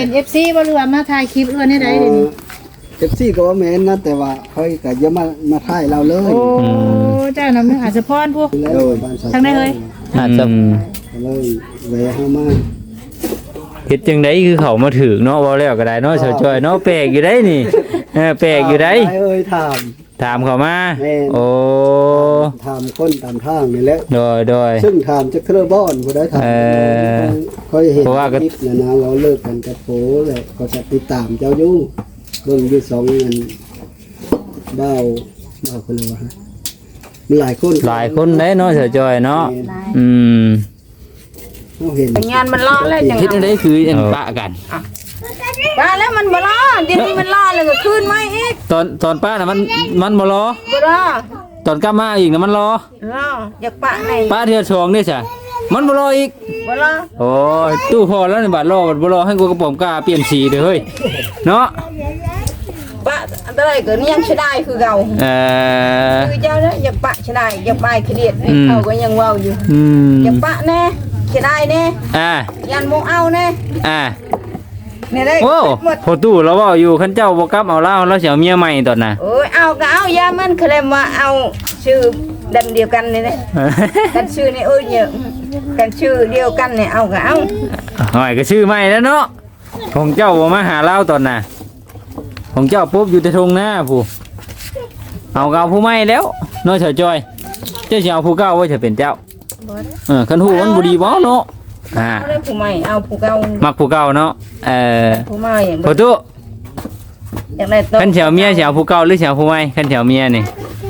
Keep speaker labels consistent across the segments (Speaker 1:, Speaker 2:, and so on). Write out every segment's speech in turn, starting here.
Speaker 1: เป็น FC บ่หรือว่ามาถ่ายคลิปเอื้อนให้ได้เดี๋ยวนี้
Speaker 2: FC ก็ว่าแม่นนะแต่ว่าค่อยก็อย่ามาถ่ายเราเลย
Speaker 1: โอ้เจ้านำอาจจะพรพวก
Speaker 2: แล้วบ้านสาว
Speaker 1: ทางไหนเอ่ย
Speaker 3: อาจจะ
Speaker 2: ก็เลยแวะเข้ามา
Speaker 3: เฮ็ดจังไดคือเขามาถึกเนาะเว้าแล้วก็ได้เนาะชาวจอยเนาะแปลกอยู่ได้นี่แปลกอยู่ได้
Speaker 2: เอ้ยถาม
Speaker 3: ถามเขามา
Speaker 2: แม่น
Speaker 3: โอ้
Speaker 2: ถามคนตามทางนี่แหละ
Speaker 3: โดย
Speaker 2: ซึ่งถามจะเครือบ้อนบ่ได้ถาม ค่อยเห็น
Speaker 3: เพราะว่าก็
Speaker 2: คลิปนะนะเราเลิกกันกับโผเลยก็จะติดตามเจ้าอยู่เบิ่งอยู่สองเงินเบ้าคนละวะมีหลายคน
Speaker 3: หลายคนได้เนาะชาวจอยเนาะอืม
Speaker 2: เราเห็น
Speaker 4: งานมันล่อแล้วจัง
Speaker 3: คิดจังไดคืออันปะกัน
Speaker 4: ป้าแล้วมันบ่ล่อเดี๋ยวนี้มันล่อเลยก็ขึ้นมาอีก
Speaker 3: ตอนป้าน่ะมันบ่รอ
Speaker 4: บ่ล่อ
Speaker 3: ตอนกลับมาอีกน่ะมันรอ
Speaker 4: ล่ออยากปะใน
Speaker 3: ป้าเทื่อสองนี่จ้ะมันบ่รออีก
Speaker 4: บ่ล่อ
Speaker 3: โอ้ยตู้พอแล้วนี่บาดรอบัดบ่รอให้กูกระป๋อมกล้าเปลี่ยนสีเด้อเฮ้ยเนาะ
Speaker 4: ปะอันตรายก็ยังใช้ได้คือเก่าคือเจ้าเนี่ยอยากปะใช้ได้อยากปะเครียดเขาก็ยังเว้าอยู่ อยากปะแน่ใช้ได้แน่ ยันโมเอาแน่เนี่ยได้
Speaker 3: โอ้พอตู้เราเว้าอยู่คันเจ้าบ่กลับเอาเหล้าแล้วสิเอาเมียใหม่ตอนน่ะ
Speaker 4: โอ้ยเอาก็เอายามันเคลมว่าเอาชื่อดันเดียวกันนี่นะกันชื่อนี่เนี่ยกันชื่อเดียวกันเนี่ยเอาก็เอา
Speaker 3: หอยก็ชื่อใหม่แล้วเนาะของเจ้าบ่มาหาเหล้าตอนน่ะของเจ้าปุ๊บอยู่แต่ทงหน้าผู้เอาเก่าผู้ใหม่แล้วเนาะเฉยจอยเจ้าสิเอาผู้เก่าไว้จะเป็นเจ้าคันฮู้มันบ่ดีบ่เนาะ
Speaker 4: เอาได้ผู้ใหม่เอาผู้เก่า
Speaker 3: มักผู้เก่าเนาะ
Speaker 4: ผู้ใหม่อย่าง
Speaker 3: พอตู้
Speaker 4: อย่างไรตัว
Speaker 3: คันสิเอาเมียสิเอาผู้เก่าหรือสิเอาผู้ใหม่คันสิเอาเมียนี่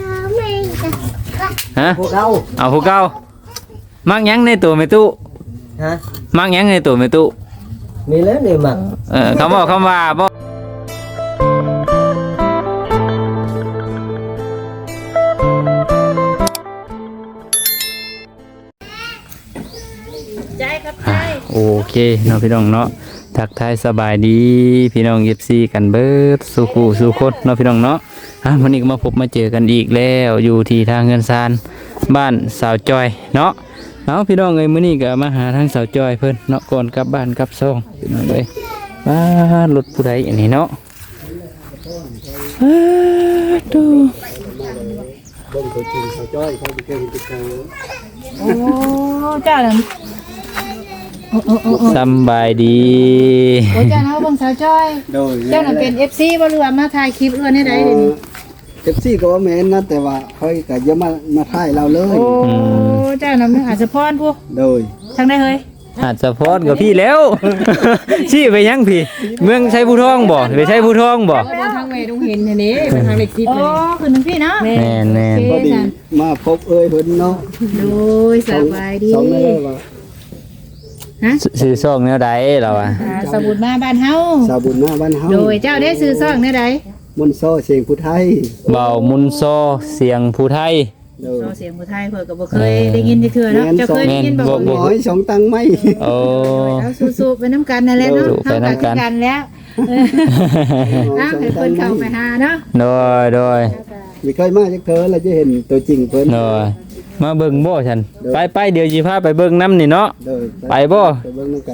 Speaker 3: ฮะ
Speaker 2: พวกเรา
Speaker 3: เอาผู้เก่ามักหยังในตัวแม่ตู้
Speaker 5: ฮะ
Speaker 3: มักหยังในตัวแม่ตู้
Speaker 5: มีแล้วนี่มัก
Speaker 3: คำบอกคำว่าบ่
Speaker 1: ใจครับใจ
Speaker 3: โอเคเนาะพี่น้องเนาะทักทายสบายดีพี่น้อง FC กันเบิดสู่คู่สู่คนเนาะพี่น้องเนาะวันนี้ก็มาพบมาเจอกันอีกแล้วอยู่ที่ทางเงินซานบ้านสาวจอยเนาะเอาพี่น้องเอ้ยมื้อนี้ก็มาหาทางสาวจอยเพิ่นเนาะก่อนกลับบ้านกลับซ่องพี่น้องเอ้ยบ้านรถผู้ใดอันนี้เนาะดู
Speaker 2: เบิ่งตัวจริงเขาจ้อยเขาไปเก่งไปเก่ง
Speaker 1: โอ้เจ้าน่ะโอ้
Speaker 3: สำบายดี
Speaker 1: โอ้เจ้าน่ะเบิ่งสาวจ้อย
Speaker 2: โดย
Speaker 1: เจ้าน่ะเป็น FC บ่หรือว่ามาถ่ายคลิปเอื้อนให้ได้เดี๋ยวนี้
Speaker 2: FC ก็ว่าแม่นนะแต่ว่าค่อยก็อย่ามาถ่ายเราเลย
Speaker 1: โอ้เจ้านำอาจจะพรพวก
Speaker 2: โดย
Speaker 1: ทางได้เฮ้ย
Speaker 3: อาจจะพอดกับพี่แล้ว ชี้ไปยังพี่ เมืองใช้ผู้ทองบ่ไปใช้ผู้ทองบ่
Speaker 1: ทางเวดงเห็นอันนี้เป็นทางเล็กทิพย์เลยอ๋อคือทางพี่เนาะ
Speaker 3: แม่นแม่น
Speaker 2: พอดีมาพบเอ้ยเพิ่นเนาะ
Speaker 1: โดยสบายดี
Speaker 2: สองเลยว่า
Speaker 1: ฮะ
Speaker 3: ซื้อซองแนวใดเราอ่ะ
Speaker 1: สมุดมาบ้านเฮา
Speaker 2: สาวบุญหน้าบ้านเฮา
Speaker 1: โดยเจ้าได้ซื้อซองได้ใด
Speaker 2: มนต์ซ้อเสียงผู้ไทย
Speaker 3: เบามุนโซเสียงผู้ไทย
Speaker 2: โดย
Speaker 1: ซอเสียงผู้ไทยเพิ่นก็บ่เคยได้ยินจักเทื่อเนาะเจ้าเคยได้ยินบ่
Speaker 3: บ่
Speaker 2: หอยสองตังไหม
Speaker 3: โอ้
Speaker 1: เอาสู้ๆไปน้ำกันนั่นแหละเนาะ
Speaker 3: สู้ๆไปน้ำกัน
Speaker 1: เฮากันแล้วนะให้เพิ่นเข้าไปหาเนาะ
Speaker 3: โดย
Speaker 2: ไม่เคยมาจากเธอแล้วจะเห็นตัวจริงเพิ่น
Speaker 3: โดยมาเบิ่งบ่ฉันไปเดี๋ยวสิพาไปเบิ่งน้ำนี่เนาะ
Speaker 2: โดย
Speaker 3: ไปบ่
Speaker 2: ไปเบิ่งนำกัน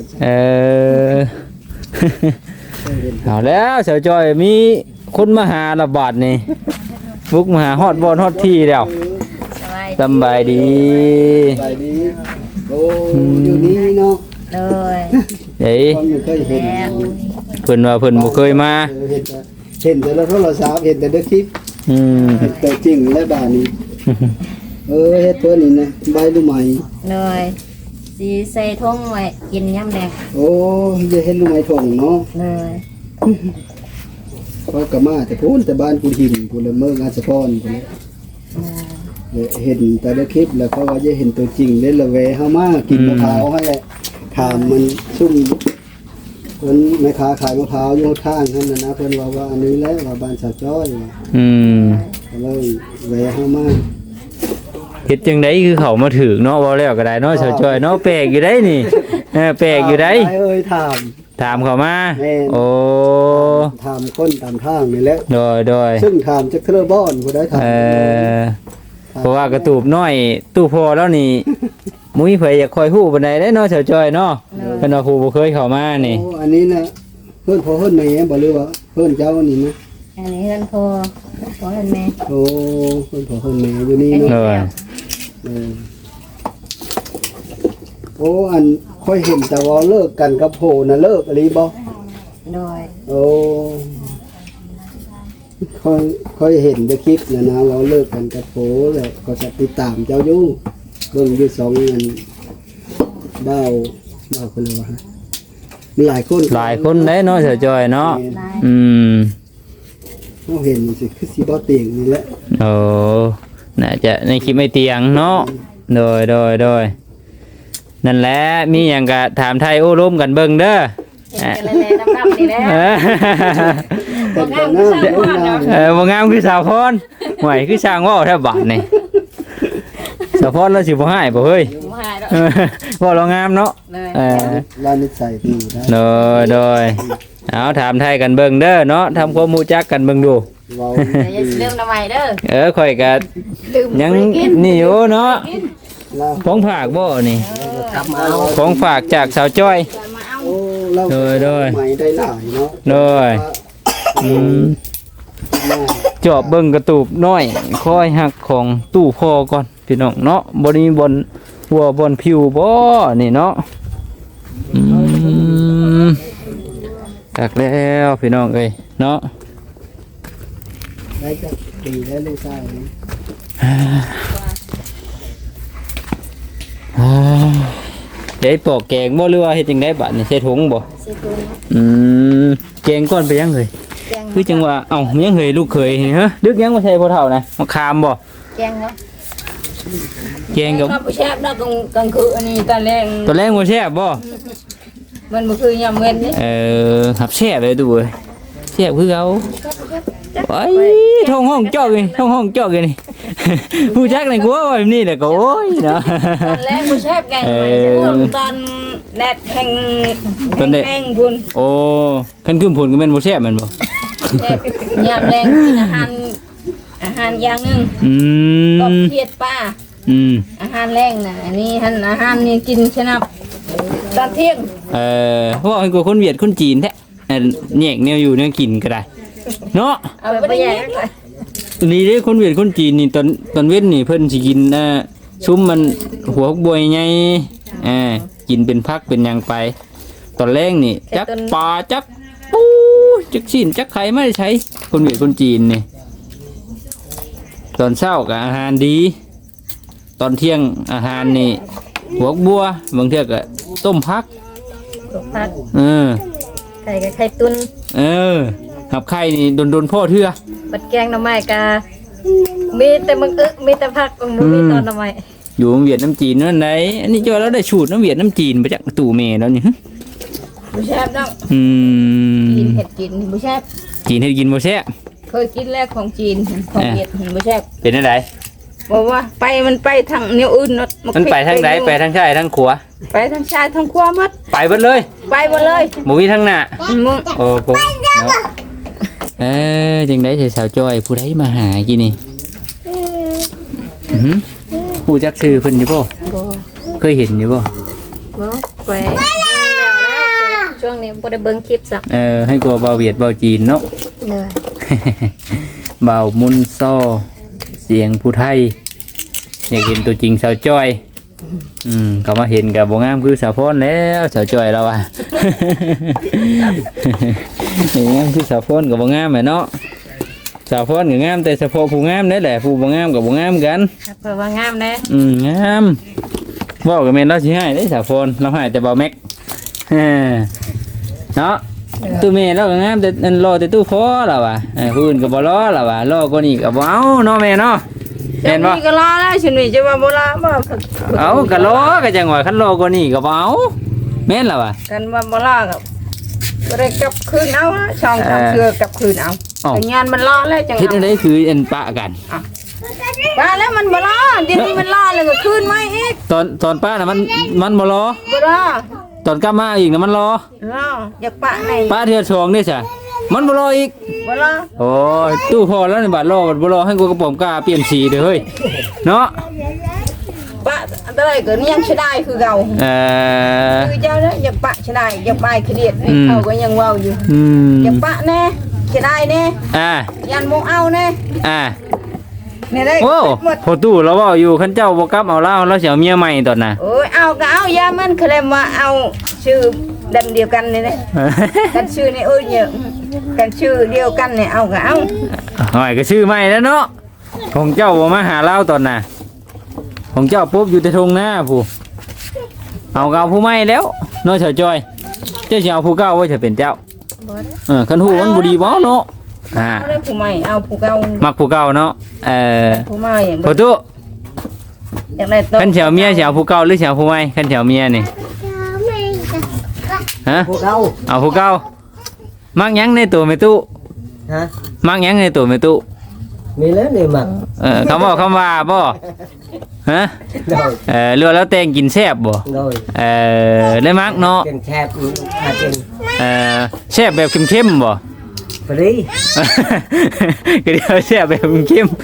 Speaker 3: เอาแล้วเสาวจอยมีคนมาหาระบาดนี่บุกมาหาฮอดบอลฮอดที่แล้วสำบายดี
Speaker 2: ไปดีโอ้อยู่นี่เนาะ
Speaker 4: เลย
Speaker 3: เฮ้ย
Speaker 2: คนไม่เคยเห็น
Speaker 3: เพิ่นว่าเพิ่นบ่เคยมา
Speaker 2: เห็นแต่ละโทรศัพท์เห็นแต่ในคลิป
Speaker 3: อืม
Speaker 2: เห็นตัวจริงและบ้านนี้เฮ็ดตัวนี้นะใบลูกไหม
Speaker 4: เลยสีใส่ทงไว้กินยำแดง
Speaker 2: โอ้จะเห็นลูกไหมทองเนาะ
Speaker 4: เลย
Speaker 2: เขาก็มาแต่พูนแต่บ้านกูหินกูละเมืองอาสะพรกูเห็นแต่ในคลิปแล้วเขาว่าจะเห็นตัวจริงเล่นละเวเฮามากินมะพร้าวให้แหละถามมันซุ่มเพิ่นแม่ค้าขายมะพร้าวอยู่ข้างนั่นน่ะนะเพิ่นว่าอันนี้แหละว่าบ้านสาวจ้อย
Speaker 3: อืม
Speaker 2: ก็เลยเวเฮามา
Speaker 3: เฮ็ดจังไดคือเขามาถึกเนาะบ่แล้วก็ได้เนาะเสาวจอยเนาะแปลกอยู่ได้นี่แปลกอยู่ได้
Speaker 2: เอ้ยถาม
Speaker 3: ถามเขามา
Speaker 2: แม่น
Speaker 3: โอ้
Speaker 2: ถามคนตามทางนี่แหละ
Speaker 3: โดย
Speaker 2: ซึ่งถามจะเครือบ้อนผู้ใดถาม
Speaker 3: เพราะว่ากระตูบน้อยตู้พอแล้วนี่ มุ้ยเผยอยากคอยฮู้ปานใดได้เนาะเสาวจอยเนาะเพิ่นว่าฮู้บ่เคยเข้ามานี่
Speaker 2: โอ้อันนี้นะเพิ่นพ่อเพิ่นแม่บ่หรือว่าเพิ่นเจ้านี่นะ
Speaker 1: อันนี้เพิ่นพ่อเพิ่นแม่
Speaker 2: โอ้เพิ่นพ่อเพิ่นแม่อยู่นี่
Speaker 3: โด
Speaker 2: เนาะ
Speaker 3: ย
Speaker 2: โอ้อันค่อยเห็นแต่ว่าเลิกกันกับโผน่ะเลิกอะไรบ่
Speaker 1: โดย
Speaker 2: โอ้ค่อยเห็นในคลิปนะว่าเลิกกันกับโผแล้วก็จะติดตามเจ้าอยู่เบิ่งอยู่สองอันเบ้าคนละว่ามีหลายคน
Speaker 3: หลายคนได้เนาะเสียจอยเนาะอืม
Speaker 2: เราเห็นสิคือสิบ่เตียงนี่แหละ
Speaker 3: โอ้น่าจะในคลิปไม่เตียงเนาะโดยนั่นแหละมีหยังก็ถามไทยโอ้ร่มกันเบิ่งเด้อ
Speaker 1: กันเลยน้ำนี่แหละ
Speaker 2: แต่ก็งามแต่งาม
Speaker 3: บ่งามคือสาวพรห่วยคือช่างเว้าแทบบาดนี่สาวพรเราสิบ่ให้บ่เฮ้ย
Speaker 1: บ่หายดอก
Speaker 3: ว่าเรางามเนาะ
Speaker 1: เลย
Speaker 2: ลานิสัยดีได้
Speaker 3: โดยเอาถามไทยกันเบิ่งเด้อเนาะทำความรู้จักกันเบิ่งดู
Speaker 2: เว้า
Speaker 1: อย่าลืมน้ำใหม่เด้อ
Speaker 3: ข่อยก็
Speaker 1: ลืม
Speaker 3: ยังนี่อยู่เนาะ
Speaker 2: ลา
Speaker 3: ของฝากบ่นี่
Speaker 5: กลับมาเอา
Speaker 3: ของฝากจากสาวจ้อย
Speaker 2: โอ้เรา
Speaker 3: โดย
Speaker 2: ใหม่ได้หลายเนาะ
Speaker 3: โดยจอบเบิ่งกระตูบน้อยคอยหักของตู้พ่อก่อนพี่น้องเนาะบ่นี้บนหัวบนผิวบ่นี่เนาะตักแล้วพี่น้องเอ้ยเนาะ
Speaker 2: ได้จักปีแล้วลูกชายนี่
Speaker 3: เดี๋ยวปอกแกงบ่หรือว่าเฮ็ดจังได๋บัดนี่ใส่ถุงบ่
Speaker 1: สิตุน
Speaker 3: แกงก่อนไปยังเฮ้ย
Speaker 1: แกง
Speaker 3: คือจังว่าเอ้ายังเฮ้ยลูกเคยนี่ฮะดึกยังบ่ใช่พ่อเฒ่านะมะขามบ่
Speaker 1: แกงเนาะ
Speaker 3: แกงกับ
Speaker 4: ครับแซ่บนะกลางคืนอันนี้ตอนแรก
Speaker 3: ตอนแรกบ่แซ่บบ่
Speaker 4: มันบ่คือยามเว้นนี่
Speaker 3: หับแซ่บเลยดูเว้ยแซ่บคือเขาไปท้องห้องจอกนี่ท้องห้องจอกนี่ ผู้จักในกัวว่าแบบนี้แหละก็โอ้ยเนาะ
Speaker 4: ตอนแรกบ่แซ่บแกงใหม่ตอนแดดแห้ง
Speaker 3: ตอนแดด
Speaker 4: แห้งพุ่น
Speaker 3: โอ้คันขึ้นผลก็แม่นบ่แซ่บแม่นบ่
Speaker 4: แซ่บยามแรงกินอาหารอย่างหนึง
Speaker 3: อื
Speaker 4: ก็
Speaker 3: ม
Speaker 4: เพียดป้า
Speaker 3: อืม
Speaker 4: อาหารแรงน่ะอันนี้อาหารนี่กินชนะตอนเที่ยง
Speaker 3: ว่าให้กูคนเวียดคนจีนแท้แยกแนวอยู่แนวกินก็ได้เนาะ
Speaker 4: เอาไปแย่ง
Speaker 3: นี่เด้คนเวียดคนจีนนี่ตอนเว้นนี่เพิ่นสิกินซุ้มมันหัวบวยใหญ่กินเป็นพักเป็นหยังไป ตอนแรกนี่จักปลาจักปูจักชิ้นจักไข่ไม่ได้ใช้คนเวียดคนจีนนี่ตอนเช้าก็อาหารดี ตอนเที่ยงอาหารนี่หัวบัวบางเทื่อก็ต้มพัก
Speaker 1: ผัก ไก่กับไข่ตุน
Speaker 3: หับไข่นี่โดนพ่อเทื่อ
Speaker 1: ปัดแกงหน่อไม้กะมีแต่มึงมีแต่ผักมึงมีตอนหน่อไม้
Speaker 3: อยู่เวียดน้ำจีนนั่นไหนอันนี้จอแล้วได้สูตรน้ำเวียดน้ำจีนไปจากตู่เมย์แล้วนี่
Speaker 4: บ่แซ่บดอก กินเห็ดกินบ่แซ่บ
Speaker 3: จีนให้กินบ่แซ่บ
Speaker 4: เคยกินแล้วของจีนของเวียดบ่แซ่บ
Speaker 3: เป็นอะไร
Speaker 4: บอกว่ามันไปทางแนวอื่นเนาะ
Speaker 3: มันไปทางไหนไปทางซ้ายทางขวา
Speaker 4: ไปทางซ้ายทางขวาหมด
Speaker 3: ไปเบิดเลย
Speaker 4: ไปหมดเลย
Speaker 3: บ่มีทางหน้า
Speaker 4: มึง
Speaker 3: โอ้โหเนาะจังได๋สิสาวจ้อยผู้ใดมาหากินนี่ผู้จักชื่อเพิ่นอยู่บ่
Speaker 1: บ่
Speaker 3: เคยเห็นอยู่บ่
Speaker 1: บ่ไปช่วงนี้บ่ได้เบิ่งคลิปสัก
Speaker 3: ให้กลัวเบาเวียดเบาจีนเนาะ
Speaker 1: เลย
Speaker 3: เบามุนซ้อเสียงผู้ไทยอยากเห็นตัวจริงสาวจ้อยก็มาเห็นกับบ่งามคือสาวพรแล้วสาวจ้อยเราอ่ะ เห็นงามคือสาวพรกับบ่งามแหละเนาะสาวพรก็งามแต่เฉพาะผู้งามนั่นแหละผู้บ่งามกับบ่งามกัน
Speaker 1: เพิ่นว่างามแน่
Speaker 3: งามเว้าก็แม่นเราสิให้เด้สาวพรเราให้แต่เบาแม็ก เนาะตู้แม่เราก็งามแต่อันรอแต่ตู้พอแล้วว่ะผู้อื่นก็บ่รอแล้วว่ะรอกว่านี้ก็บ่เอาเนาะแม่เนาะ
Speaker 4: เห็
Speaker 3: เห็
Speaker 4: น
Speaker 3: น
Speaker 4: บ่
Speaker 3: บ่
Speaker 4: ก็รอแล้วฉันนี่จะว่าบ่รอบ่
Speaker 3: เอาก็รอก็จังว่าคันรอกว่านี้ก็บ่เอาแม่นแล้วว่ะ
Speaker 4: กันว่าบ่รอก็บ่ได้กลับคืนเอาช่องทางเชือกลับคืนเอาแต่งานมันรอแล้วจัง
Speaker 3: เฮ็ดจังได๋คืออันปะกัน
Speaker 4: ว่าแล้วมันบ่รอเดี๋ยวนี้มันรอแล้วก็คืนมาอีก
Speaker 3: ตอนป้าน่ะมันบ่รอ
Speaker 4: บ่รอ
Speaker 3: ตอนกลับมาอีกน่ะมันรอ
Speaker 4: รออยากปะไหน
Speaker 3: ป้าเทื่อสองนี่ซะมันบ่รออีก
Speaker 4: บ่รอ
Speaker 3: โอ้ยตู้พอแล้วนี่บาดรอบ่รอให้กูกระป๋อมกล้าเปลี่ยนสีเด้อเฮ้ยเนาะ
Speaker 4: ปะตะไรก็ยังใช้ได้คือเก่าคือเจ้าเนี่ยอยากปะใช้ได้อยากไปเครียดเขาก็ยังเว้าอยู่อยากปะแน่ใช้ได้แน่ยันมงเอาแน่เนี่ยได้
Speaker 3: โอ้พอตู้เราเว้าอยู่คันเจ้าบ่กลับเอาเราสิเอาเมียใหม่ตอนน่ะ
Speaker 4: โอ้ยเอาก็เอายามันเคลมว่าเอาชื่อดันเดียวกันนี่นะกันชื่อนี่เอ้ยเนี่ยกันชื่อเดียวกันเนี่ยเอาก็เอา
Speaker 3: หอยก็ชื่อใหม่แล้วเนาะของเจ้าบ่มาหาเราตอนน่ะของเจ้าปุ๊บอยู่แต่ทงหน้าผู้เอาก็เอาผู้ใหม่แล้วเนาะเฉาจอยเจ้าสิเอาผู้เก่าไว้จะเป็นเจ้าคันฮู้มันบ่ดีบ่เนาะ
Speaker 4: เอาได้ผู้ใหม่เอาผู้เก่า
Speaker 3: มักผู้เก่าเนาะ
Speaker 4: ผู้ใหม่
Speaker 3: พอตู้
Speaker 4: อยากได้
Speaker 3: คันเฉาเมียสิเอาผู้เก่าหรือสิเอาผู้ใหม่คันเฉาเมียนี่ฮะ
Speaker 5: ผู้เก่า
Speaker 3: เอาผู้เก่ามักหยังในตัวแม่ตู้
Speaker 5: ฮะ
Speaker 3: มักหยังในตัวแม่ตู้
Speaker 5: มีแล้วนี่มัก
Speaker 3: คำว่าบ่ฮะเรือแล้วแตงกินแซ่บบ่ได้มักเนาะ
Speaker 5: กินแซ่บกิน
Speaker 3: แซ่บแบบเข้มๆบ่
Speaker 5: พอดี
Speaker 3: ก็เดี๋ยวแซ่บแบบเข้ม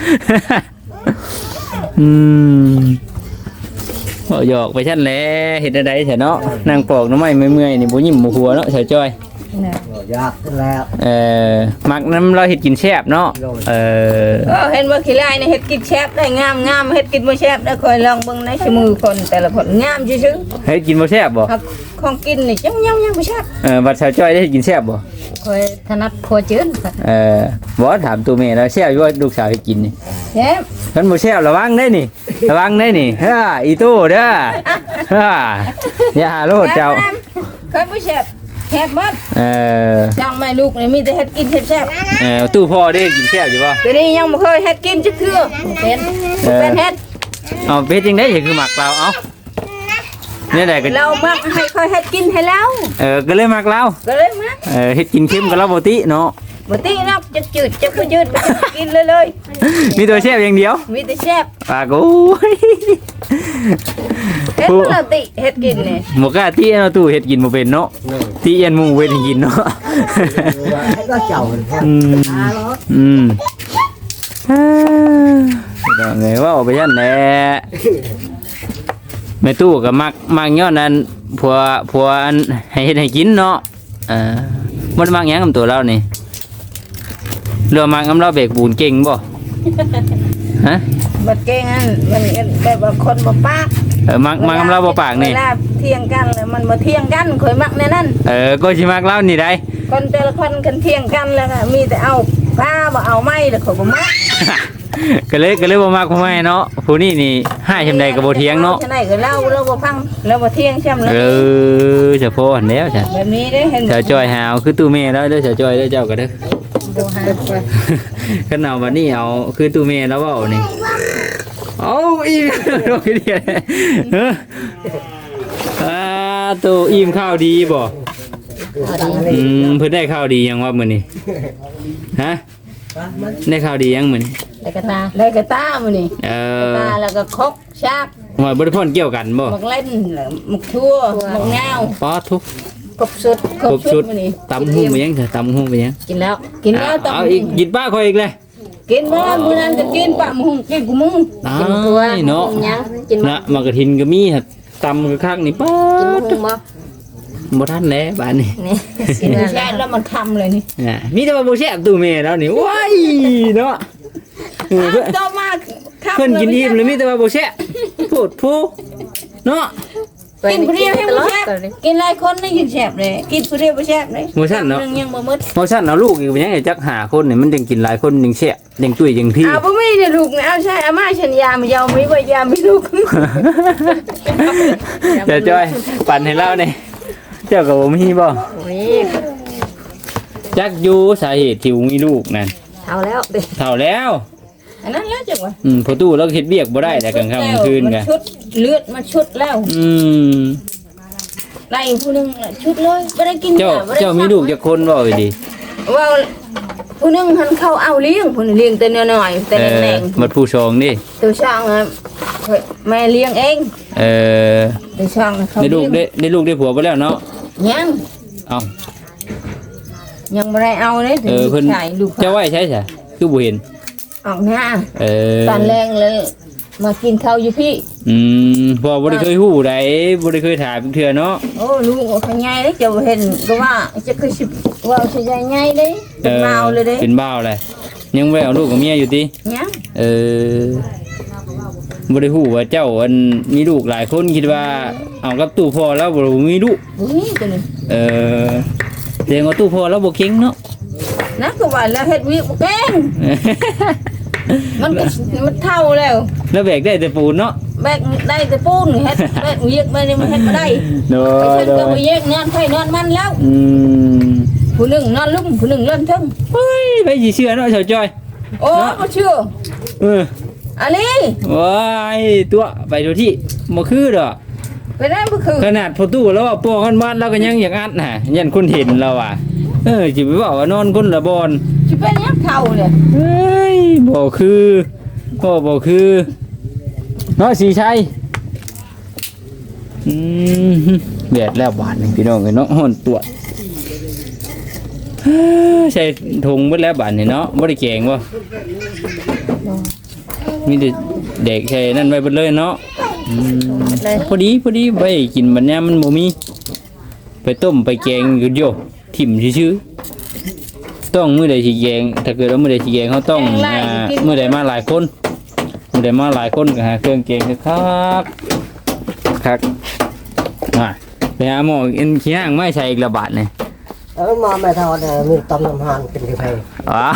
Speaker 3: หยอกไปชั้นแหละเห็นอะไรเถอะเนาะนางปอกน้ำไม้เมื่อยๆนี่บ่ยิ้มบ่หัวเนาะเฉยจ้อย
Speaker 5: ยากแล้ว
Speaker 3: มักน้ำเราเห็ดกินแซ่บเนาะ
Speaker 4: เห็นว่าขี้ลายในเห็ดกินแซ่บได้งามเห็ดกินบ่แซ่บได้คอยลองเบิ่งในชั่วมือคนแต่ละคนงามซื่อ
Speaker 3: เห็ดกินบ่แซ่บบ่
Speaker 4: ของกินนี่ยังบ่แซ่บ
Speaker 3: บัดเฉยจ้อยได้เห็ดกินแซ่บบ่
Speaker 1: คอยถนัดครัวจืด
Speaker 3: บ่ถามตัวแม่แล้วแซ่บอยู่ว่าลูกสาวเฮ็ดกินนี่
Speaker 4: แซ่บ
Speaker 3: คันบ่แซ่บระวังได้นี่อีตู้เด้ออย่าหาโลดเจ้า
Speaker 4: เคยบ่แซ่บแซ่บมัดจังแม่ลูกนี่มีแต่เฮ็ดกินแซ่บ
Speaker 3: ตู้พ่อได้กินแซ่บอยู่บ่
Speaker 4: ตัวนี้ยังบ่เคยเฮ็ดกินจักเทื่อเป็นเฮ็ด
Speaker 3: เอาเป็ดจังได๋คือหมักเราเอาเนี่ยได้ก็
Speaker 4: เรามักให้ค่อยเฮ็ดกินให้แล้ว
Speaker 3: ก็เลยมักเรา
Speaker 4: ก็เลยมัก
Speaker 3: เฮ็ดกินเค็มกับเราบ่ติเนาะ
Speaker 4: บ่ติเนาะจะจืดจะคือจืดกินเลย
Speaker 3: มีตัวแซ่บอย่างเดียว
Speaker 4: มีแต่แซ่บ
Speaker 3: ปากโอ้ย
Speaker 4: เฮ็ดบ่ติเฮ็ดกินนี่
Speaker 3: บ่กล้าติเนาะตู้เฮ็ดกินบ่เป็นเนาะติยันหมู่เฮ็ดให้กินเนาะ
Speaker 5: ก็เจ้า
Speaker 3: ดอกไงว่าเอาไปยันแหละแม่ตู้ก็มักย้อนนั้นผัวอันให้เฮ็ดให้กินเนาะมันมักหยังกับตัวเรานี่เรือมักกับเราเบกปูนเก่งบ่ฮะ
Speaker 4: บ่เก่งอันมันแบบว่าคนบ่ปาก
Speaker 3: มักกับเราบ่ปากนี่
Speaker 4: เวลาเที่ยงกันแล้วมันบ่เที่ยงกันข่อยมักแน่นั่น
Speaker 3: ก็สิมักเรานี่ได้
Speaker 4: คนแต่ละคนกันเที่ยงกันแล้วก็มีแต่เอาผ้าบ่เอาไม้แล้วข่อยบ่มัก
Speaker 3: ก็เลยบ่มักผู้ใหม่เนาะผู้นี้นี่ให้ชำใดก็บ่เถียงเนาะ
Speaker 4: จังได๋ก็เล่าบ่ฟังแล้วบ่เที่ยงช่ำ
Speaker 3: เลยเฉพาะอันแล้วจ้ะ
Speaker 4: แบบนี้เด้เห็น
Speaker 3: เจ้าจ้อยหาวคือตู้แม่แล้วเด้อเจ้าจ้อยเด้อเจ้าก็เด้อ
Speaker 4: บ่หา
Speaker 3: คันเอาบัดนี้เอาคือตู้แม่แล้วเว้านี่เอาอีโดยเดียวตู้อิ่มข้าวดีบ่เพิ่นได้ข้าวดียังว่ามื้อนี้ฮะได้ข้าวดียังมื้อนี้
Speaker 4: ได้กระตามื้อนี้ตาแล้วก็คกชาก
Speaker 3: ว่าบ่ได้พ่นเกี่ยวกันบ่
Speaker 4: มักเล่นมักทั่วมักงาว
Speaker 3: ป๊อทุก
Speaker 4: ครบสุดมื้อนี้
Speaker 3: ตำหุ้งไปยังตำหุ้งไปยัง
Speaker 4: กินแล้วตำ
Speaker 3: เอาอีกกินป้าคอยอีกเลย
Speaker 4: กินมื้อนั้นจะกินปะหุ้งกินกูมึง
Speaker 3: กินตัวเนาะกินนะมากระถินก็มีตำก็คักนี่ป๊อดบ่ทันแล้วบ้านนี่
Speaker 4: กินแช่แล้วมันคำเลยนี่
Speaker 3: มีแต่ว่าบ่แซ่บตู้แม่แล้วนี่ว้ายเนาะ
Speaker 4: ต่อมา
Speaker 3: เพิ่นกินอิ่มเลยมีแต่ว่าบ่แซ่บพูดผู้เนาะ
Speaker 4: กินผู้เดียวให้บ่แซ่บกินหลายคนนี่กินแซ่บเลยกินผู้เดียวบ่แซ่บเลย
Speaker 3: บ่ซั่นเนาะ
Speaker 4: ยังบ่หมด
Speaker 3: บ่ซั่นเอาลูกอีกเป็นยังไงจัก5คนนี่มันจังกินหลายคนจังแซ่บจังตุ้ยจังพี่
Speaker 4: บ่มีนี่ลูกเอาใช่อาม่าฉันยาไม่ยาวมีบ่ยามีลูก
Speaker 3: เดี๋ยวจ้อยปั่นให้เรานี่เจ้าก็บ่มีบ่จักอยู่สาเหตุที่มีลูกนั่น
Speaker 1: เท่า
Speaker 3: แล้ว
Speaker 4: อันนั้นแล้วจังวะ
Speaker 3: พอตู้เราเฮ็ดเวียกบ่ได้แต่กลางค่ำกลางคืนกะ
Speaker 4: ชุดเลือดมันชุดแล้วไล่ผู้นึงชุดเลยบ่ได้กิน
Speaker 3: เจ้ามีลูกจักคนบ่ดี
Speaker 4: ว่าผู้นึงหันเข้าเอาเลี้ยงผู้นึงเลี้ยงแต่น้อยๆแต่แน่ง
Speaker 3: ๆบัดผู้ชองนี่
Speaker 4: ตัวช่างแม่เลี้ยงเองตัวช่างเขา
Speaker 3: ได้ลูกได้ผัวบ่แล้วเนาะ
Speaker 4: ยัง
Speaker 3: เอา
Speaker 4: ยังบ่ได้เอาเลย
Speaker 3: เพิ่นเจ้าไว้ใช่คือบ่เห็น
Speaker 4: ออกหน้า
Speaker 3: ต
Speaker 4: อนแรงเลยมากินข้าวอยู่พี่
Speaker 3: บ่ได้เคยฮู้ใดบ่ได้เคยถามเทื่อเนาะ
Speaker 4: โอ้ลูกเขาใหญ่เด้จะเห็นก็ว่าจะคือสิว่าสิใหญ่ๆเด้เป็นเมาเลยเด้
Speaker 3: เป็นบ้าวเลยยังบ่ได้เอาลูกกับเมียอยู่ติ
Speaker 4: ยัง
Speaker 3: บ่ได้ฮู้ว่าเจ้าอันมีลูกหลายคนคิดว่าเอากับตู้พ่อแล้วบ่มีลูก
Speaker 4: บ่มีตัวนี้
Speaker 3: แสดงว่าตู้พ่อแล้วบ่เก่งเนาะ
Speaker 4: นะก็ว่าแล้วเฮ็ดวิบ่เก่งมันก็มันเท่าแล้ว
Speaker 3: แล้วแบกได้แต่ปูนเนาะ
Speaker 4: แบกได้แต่ปูนเฮ็ดแบกเวียกมานี่มันเฮ็ดบ่ได้
Speaker 3: โด
Speaker 4: ไป
Speaker 3: ย
Speaker 4: เฮ็ด
Speaker 3: โด
Speaker 4: ก็
Speaker 3: ย
Speaker 4: บ่แยกนอนไผนอนมันแล้ว
Speaker 3: ม
Speaker 4: ผู้หนึงนอนลุ่มผู้หนึงเล่นทึ่ง
Speaker 3: เฮ้ยไปสิเชื่อเนาะชาวจ้อย
Speaker 4: โอ้บ่เชื่อ
Speaker 3: เออ
Speaker 4: อะลี
Speaker 3: ว้ายตัวไปตัวที่บ่คือดอก
Speaker 4: ไปได้บ่คือ
Speaker 3: ขนาดพอตู้แล้วว่าป้อกันบ้านเราก็ยังอยากอัดน่ะยันคนเห็นเราอ่ะสิไปบอกว่านอนคนละบอน
Speaker 4: สิเป็นหยังเท่าเนี่ย
Speaker 3: เฮ้ยบ่คือบ่คือเนาะสีชัยเดือดแล้วบาดนี่พี่น้องเอ้ยเนาะฮ้อนตัวใส่ถุงเบิดแล้วบาดนี่เนาะบ่ได้แกงบ่มีแต่เด็กใส่นั่นไว้เบิดเลยเนาะพอดีไว้กินบัดยามมันบ่มีไปต้มไปแกงอยู่โยถิ่มซื่อๆต้องมื้อใดสิแกงถ้าเกิดว่ามื้อใดสิแกงเขาต้องมื้อใดมาหลายคนมื้อใดมาหลายคนก็หาเครื่องแกงคักไปหาหมอกินขี้ห่างไม่ใช่อีกระบาดนี่
Speaker 5: มาไม่ทอดมีต้มน้ำหานเป็นที่ไผ
Speaker 3: อ๋อ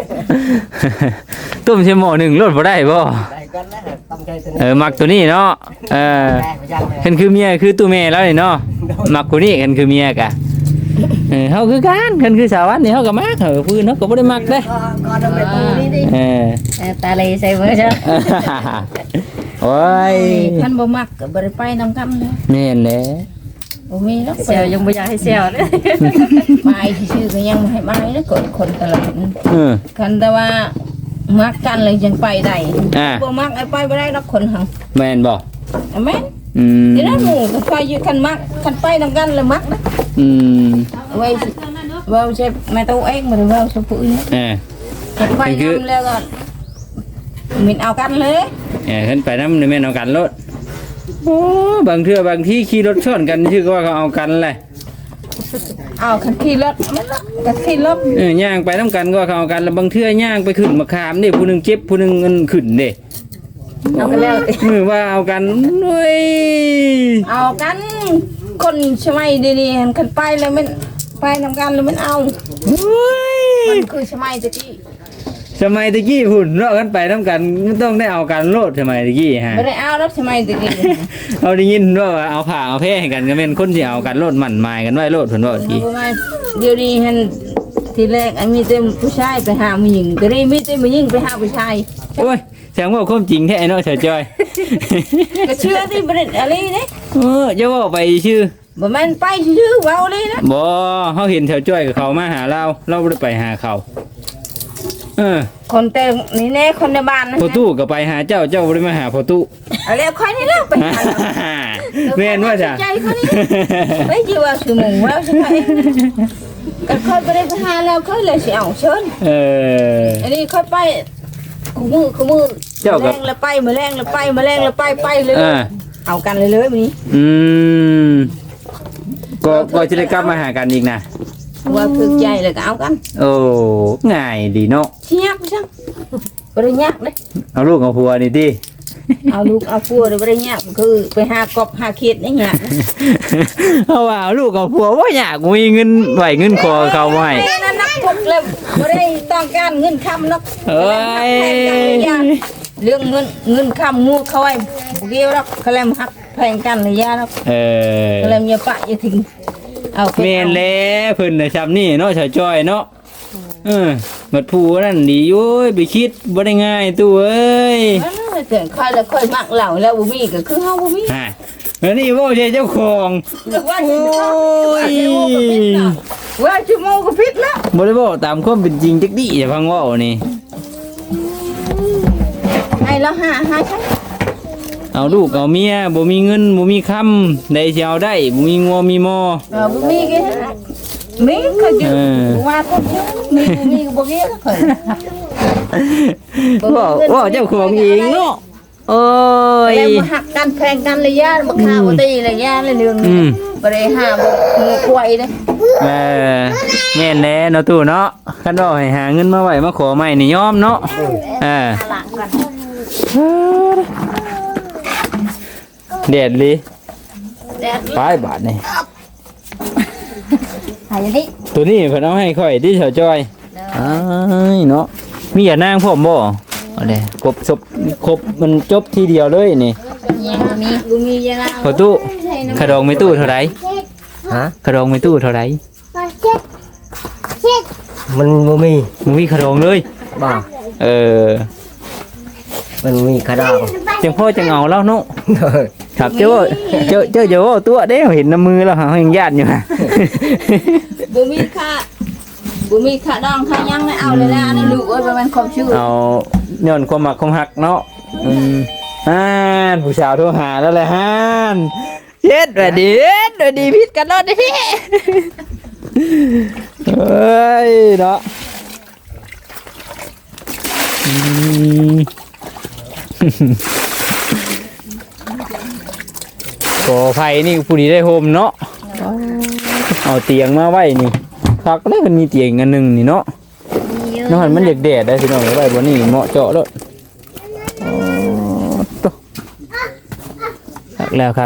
Speaker 3: ต้มใช่หม้อหนึ่งรสบ่ได้บ่
Speaker 5: ได้กันนะต้มใจตัวนี้
Speaker 3: มักตัวนี้เนาะ
Speaker 5: แม่ไปย่างเลย
Speaker 3: เห็นคือเมียคือตู้แม่แล้วนี่เนาะมักคนนี้กันคือเมียกะเฮาคือกันกันคือสาววันนี่เฮาก็มักพื้นเฮาก็บ่ได้มักเด้
Speaker 5: ก็ทำเป็นตัวนี้ดิ
Speaker 1: ตาเลยใส่เบอร์เจ้า
Speaker 3: โอ้ย
Speaker 4: คันบ่มักก็บ่ได้ไปนำกันเลย
Speaker 3: แม่นแหละ
Speaker 4: บ่มีแล้ว
Speaker 1: เซลยังไม่อยากให้เซลเลย
Speaker 4: ไปชื่อก็ยังบ่ให้ไปนะคนตลาด คันแต่ว่ามักกันเลยยังไปได้บ่มักไอ้ไปบ่ได้ดอกคนหัง
Speaker 3: แม่นบ่
Speaker 4: แม่นทีนั้นหมู่ก็ไปอยู่คันมักคันไปนำกันเลยมักนะไว้เว้าใช่แม่ตัวเองบ่ได้เว้าซะผู้อื่นคันไปนำแล้วก็มินเอากันเลย
Speaker 3: ขึ้นไปนำแม่นเอากันรถโอ้บางเทื่อบางที่ขี่รถชนกันชื่อก็ว่าเขาเอากันแหละ
Speaker 4: เอาคันขี่รถมันละก็ขี่รถ
Speaker 3: ย่างไปน้ำกันก็เขาเอากันแล้วบางเทื่อย่างไปขึ้นมะขามนี่ผู้หนึงเจ็บผู้หนึงเงินขึ้นเด้
Speaker 1: เอากันแล้ว
Speaker 3: มือว่าเอากันเว้ย
Speaker 4: เอากันคนสมัยดีๆคันไปแล้วมันไปนำกันแล้วมันเอามันคือสมัยตะกี้
Speaker 3: สมัยตะกี้หุ่นเลาะกันไปน้ำกันมันต้องได้เอากันโลดสมัยตะกี้ฮะ
Speaker 4: ไม่ได้เอารถสมัยตะกี้
Speaker 3: เอาได้ยินว่าเอาผ้าเอาแพร่ให้กันก็เป็นคนที่เอากันโลดหมั่นหมายกันไว้โลดเพิ่นว่าที
Speaker 4: เดี๋ยวนี้ฮันทีแรกมีแต่ผู้ชายไปหาผู้หญิงแต่นี่มีแต่ผู้หญิงไปหาผู้ชาย
Speaker 3: โอ้ยแสดงว่าความจริงแท้เนาะเฉยจอย
Speaker 4: ก็เชื่อที่ประเด็นอะไรนี่
Speaker 3: จะว่าไปชื่อ
Speaker 4: บ่แม่นไปชื่อเว้าเลยนะ
Speaker 3: บ่เขาเห็นเฉยจอยกับเขามาหาเราบ่ได้ไปหาเขา
Speaker 4: คนแต่นี่แน่คนในบ้านนะ
Speaker 3: พอตู้ก็ไปหาเจ้าบ่ได้มาหาพอตู้
Speaker 4: อะไรค่อยนี่แล้วไปหา
Speaker 3: แม่นว่าจ้ะ
Speaker 4: ใจเขานี่ไม่จีว่าคือหมูแล้วใช่ไหมก็ค่อยไปได้ไปหาแล้วค่อยเลยสิเอาเชิญอันนี้ค่อยไปคู่มือแรงแล้วไปมาแรงแล้วไปมาแรงแล้วไปเลยเอากันเลยมื้อนี้
Speaker 3: ก็จะได้กลับมาหากันอีกนะ
Speaker 4: ว่าถึกใจเลยก็เอากัน
Speaker 3: โอ้ง่ายดีเนาะ
Speaker 4: เชียบจังบ่ได้ยากเด้
Speaker 3: เอาลูกเอาผัวนี่ติ
Speaker 4: เอาลูกเอาผัวบ่ได้ยากคือไปหากบหาเขียดนี่ยาก
Speaker 3: เอาว่าเอาลูกเอาผัวบ่อยากมีเงินไหวเงินคอเขาบ่ให้
Speaker 4: นั่นนักพกเลยบ่ได้ต้องการเงินคำนัก
Speaker 3: เอ้ย
Speaker 4: เรื่องเงินคำงูเขาไว้บ่เกี่ยวหรอกเขาแลมฮักแพงกันเลยยาหรอกเขาแลมอย่าปะอย่าทิ้งเอา
Speaker 3: แม่นแล้วเพิ่นน่ะซ้ำนี่เนาะชาวจ้อยเนาะบัดผู้นั่นดีอยู่ไปคิดบ่ได้ง่ายตู้เอ้ย
Speaker 4: เตือนค่อยแล้วค่อยมักเหล่าแล้วบ่มีก็คือเฮาบ่มี
Speaker 3: แล้วนี่บ่ใช่เจ้าของ
Speaker 4: ว่าชั่วโมงก็ผิดแล้ว
Speaker 3: บ่ได้บอกตามความเป็นจริงจักดิอย่าฟังเว้านี่
Speaker 4: ให้แล้วหาใช่
Speaker 3: เอาลูกเอาเมียบ่มีเงินบ่มีคำได้สิเอาได้บ่มีงัวมีหม้อ
Speaker 4: บ่มีก็มีก็อยู่ว่าคนเยอะมีก็บ่เกี่ยวเคย
Speaker 3: ว่าเจ้าของเองเนาะโอ้ย
Speaker 4: แล้วมาหักกันแพงกันเลยย่ามาฆ่าบ่ตีเลยย่าเลยเรื่องบ่ได้หาบ่งูกล้วยเด้
Speaker 3: แม่นแน่เนาะตู้เนาะคันว่าให้หาเงินมาไว้มาขอใหม่นี่ยอมเนาะ
Speaker 4: หลังก่อน
Speaker 3: เด็ดลิ
Speaker 4: แดด
Speaker 3: ไปบาทนี่
Speaker 4: หายนี่
Speaker 3: ตัวนี้เพิ่นเอาให้ค่อยที่เฉาจอยอ้ายเนาะมีอย่านางพร้อมบ่เอาเด้ครบครบมันจบทีเดียวเลยนี่
Speaker 4: ยังบ่มียังไง
Speaker 3: พอตู้ขะดองไม่ตู้เท่าไหร่
Speaker 5: ฮะ
Speaker 3: ขะดองไม่ตู้เท่าไหร่
Speaker 5: มันบ่มี
Speaker 3: มึงมีขะดองเลย
Speaker 5: บ่
Speaker 3: เออ
Speaker 5: มันมีกระดอง
Speaker 3: จังพ่อจังเอาแล้วเนาะครับเจ้าว่าตัวเด้เห็นน้ำมือแล้วหายังญาติอยู่ฮะ
Speaker 4: บ่มีค่าดองค่ายังไม่เอาเลยนะนี่ลูกเอ้ยบ่แม่นความชื่อ
Speaker 3: เอาย้อนความหมักความหักเนาะผู้สาวโทรหาแล้วแหละฮันเย็ดสวัสดีพิษกันรอดดิพี่เฮ้ยเนาะก่อไฟนี่ผู้ดีได้โฮมเนาะเอาเตียงมาไว้นี่พักแล้วมันมีเตียงอันหนึ่งนี่เนาะนอนมันเด็กแดดได้พี่น้องไว้บนนี้เหมาะเจาะแล้วคักแล้ว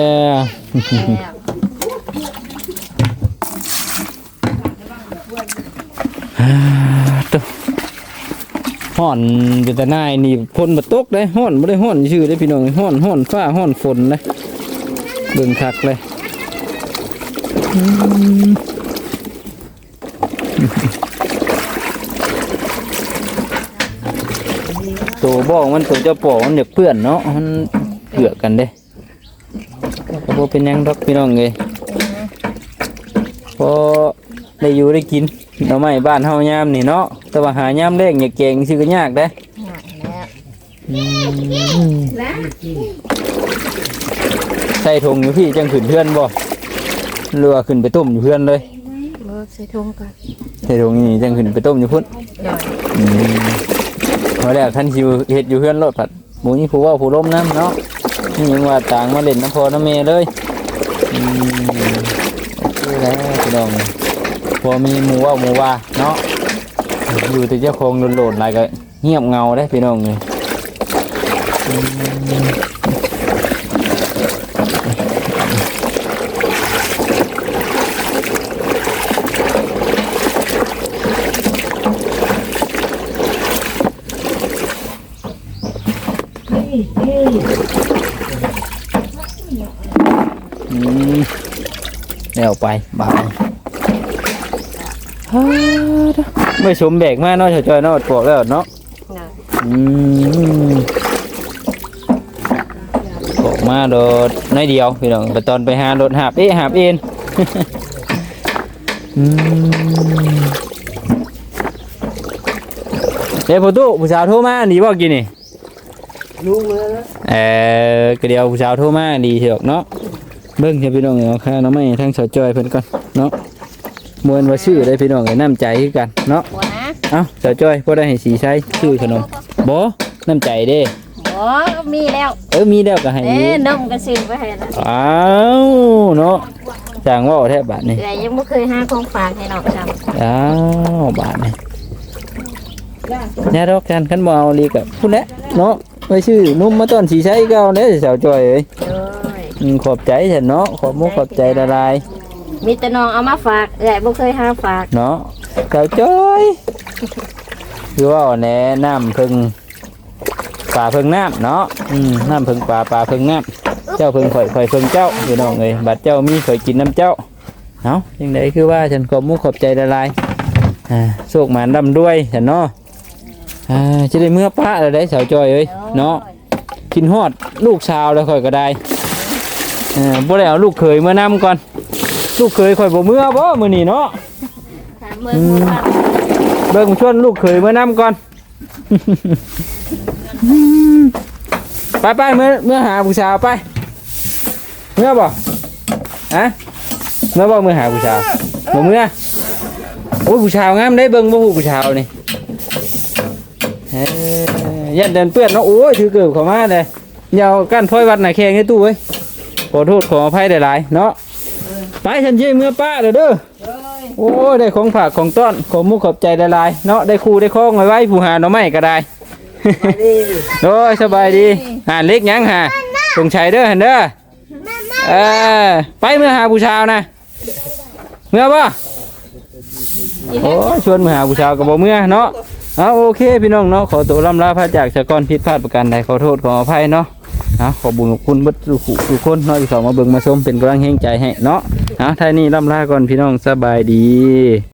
Speaker 3: ฮ้อนอยู่แต่นายนี่ฝนมาตกได้ฮ้อนไม่ได้ฮ้อนชื่อได้พี่น้องฮ้อนฟ้าฮ้อนฝนเลยเบิ่งคักเลยตัวบ้องมันตัวเจ้าปอกมันเด็กเพื่อนเนาะมันเกือกกันเด้ก็บ่เป็นยังดอกพี่น้องเลยพอได้อยู่ได้กินเราไม่บ้านเฮายามนี่เนาะแต่ว่าหายามแรงอย่าเก่งชื่อก็ยากเด้ใส่ถุงอยู่พี่จังขึ้นเพื่อนบ่เรือขึ้นไปต้มอยู่เพื่อนเลย
Speaker 4: ใส่ถุงก่อน
Speaker 3: ใส่ถุงนี่จังขึ้นไปต้มอยู่พุ่นพอแล้วท่านชิวเฮ็ดอยู่เพื่อนรถผัดหมูนี่ผู้ว่าผู้ล้มน้ำเนาะนี่ยังว่าต่างมาเล่นน้ำพอน้ำเมย์เลยโอเคแล้วพี่น้องพอมีหมูว่าเนาะอยู่แต่เจ้าของโหลดอะไรก็เงียบเงาได้พี่น้องเลยเดี๋ยวไปบ่ายไม่สมแบกมากเนาะจอยเนาะปวกแล้วเนาะปวกมาโดดน้อยเดียวพี่น้องไปตอนไปหาโดดหาบเอ็นเดี๋ยวผู้สาวโทรมาดีบ่กินนี่
Speaker 5: รู้เลยนะ
Speaker 3: ก็เดี๋ยวผู้สาวโทรมาดีเถอะเนาะเบิ่งให้พี่น้องเอาค่าน้ำไม่ทั้งสาวจอยเพิ่นก่อนเนาะมวนว่าชื่อได้พี่น้องน้ำใจคือกันเนาะเอ้าสาวจอยพอได้ให้สีใช้ชื่อขนมบ่น้ำใจเด้
Speaker 4: บ่มีแล้ว
Speaker 3: มีแล้วก็ให้
Speaker 4: นมก็ซื้อไปให้แล้ว
Speaker 3: อ้าวเนาะจางว่าแทบบาทนี่
Speaker 4: ยังบ่เคยหาของฝากให้น้องจำ
Speaker 3: อ้าวบาทนี่เนี่ยดอกกันคันบ่เอาลีกับพุ่นแหละเนาะไว้ชื่อนุ่มมาต้นสีใช้ก็เอาเด้สาวจอยเอ้ยขอบใจฉันเนาะขอบมุกขอบใจละลาย
Speaker 4: มีแต่น้องเอามาฝากใหญ่บ่เคยหาฝาก
Speaker 3: เนาะสาวจ้อยคือว่าแนะน้ำพึ่งป่าพึ่งน้ำเนาะน้ำพึ่งป่าพึ่งน้ำเจ้าพึ่งข่อยพึ่งเจ้าพี่น้องเลยบัดเจ้ามีข่อยกินน้ำเจ้าเนาะยังไงคือว่าฉันขอบมุกขอบใจละลายโชคหมานดำด้วยฉันเนาะจะได้เมื่อป้าอะไรได้สาวจ้อยเอ้ยเนาะกินฮอดลูกชาวแล้วข่อยก็ได้บ่ได้เอาลูกเขยเมื่อน้ำก่อนลูกเขยข่อยบ่เมื่อบ่มื้อนี้เนาะเบิ่งชวนลูกเขยเมื่อน้ำก่อนไปเมื่อหาผู้สาวไปเมื่อบ่เมื่อบ่เมื่อหาผู้สาวบ่เมื่อโอ้ผู้สาวงามได้เบิ่งบ่ฮู้ผู้สาวนี่ยันเดินเปื้อนเนาะโอ้ยถือเกือบเข้ามาเลยยาวกั้นพ้อยวัดหน่ะแข่งให้ตู้เว้ยขอโทษขออภัยหลายๆเนาะไปฉันเยี่ยมเมื่อป้าเด้อโอ้ยได้ของฝากของต้อนขอมุกขอบใจหลายๆเนาะได้ครูได้คล้องไว้ผู้หาหน่อไม้ก็ได้ โอ้ยสบายดีเล็กยังฮะสงชัยเด้อเห็นเด้อไปเมื่อหาผู้ชาวนะเมื่อป่ะโอ้ชวนมาหาผู้ชาวกับบ่เมื่อเนาะโอเคพี่น้องเนาะขอตัวล่ำลาพระจากสะกอนผิดพลาดประการใดขอโทษขออภัยเนาะขอบุญขอบคุณเบิดทุกคนเนาะที่เข้ามาเบิ่งมาชมเป็นกำลังแห่งใจให้เนาะท้ายนี้ล่ำลาก่อนพี่น้องสบายดี